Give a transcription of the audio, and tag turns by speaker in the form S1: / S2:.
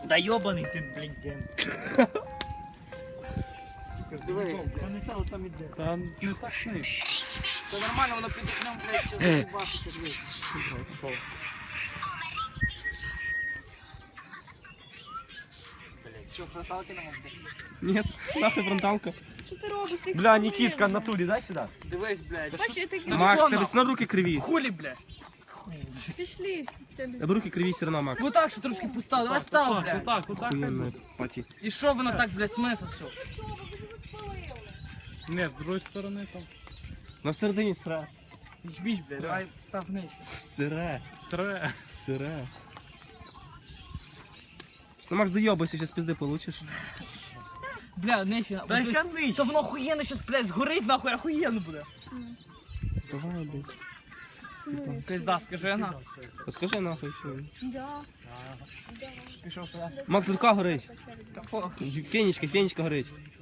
S1: Да йобаний ти, блін.
S2: Вони сало там іде.
S3: Та не так швидко.
S2: Це нормально, воно під окном, блядь, зараз заїбашиться, блядь. Що, фронталки нам буде?
S3: Ні, нахуй фронталка.
S4: Що ти робиш? Ти
S3: Бля, Нікітка, на турі, дай сюди.
S2: Дивись, блядь.
S4: Бачиш, я такі
S3: Макс, тебе все одно руки криві.
S2: Хулі, блядь.
S4: пішли.
S3: Тебе руки криві все одно, Макс.
S2: Ну так, що трошки постав, давай став, блядь.
S3: Отак, охуєнно, паті.
S2: І що воно так, блядь, смисл, все?
S3: Не, з другої сторони там. На всередині сире.
S2: Біч, блядь, давай став нижче.
S3: Сире. Сире. Сире. Що, Макс, доєбайся, зараз пізди получиш.
S2: Бля, нижче.
S1: Дай канич.
S2: То воно охуєнно щас, блядь, згорить, нахуй, охуєнно буде.
S3: Давай, блядь.
S2: Пизда, скажи на.
S3: Та скажи нахуй.
S4: Да.
S2: Пішов туди.
S3: Макс, рука горить.
S2: Та похуй.
S3: Фенічка горить.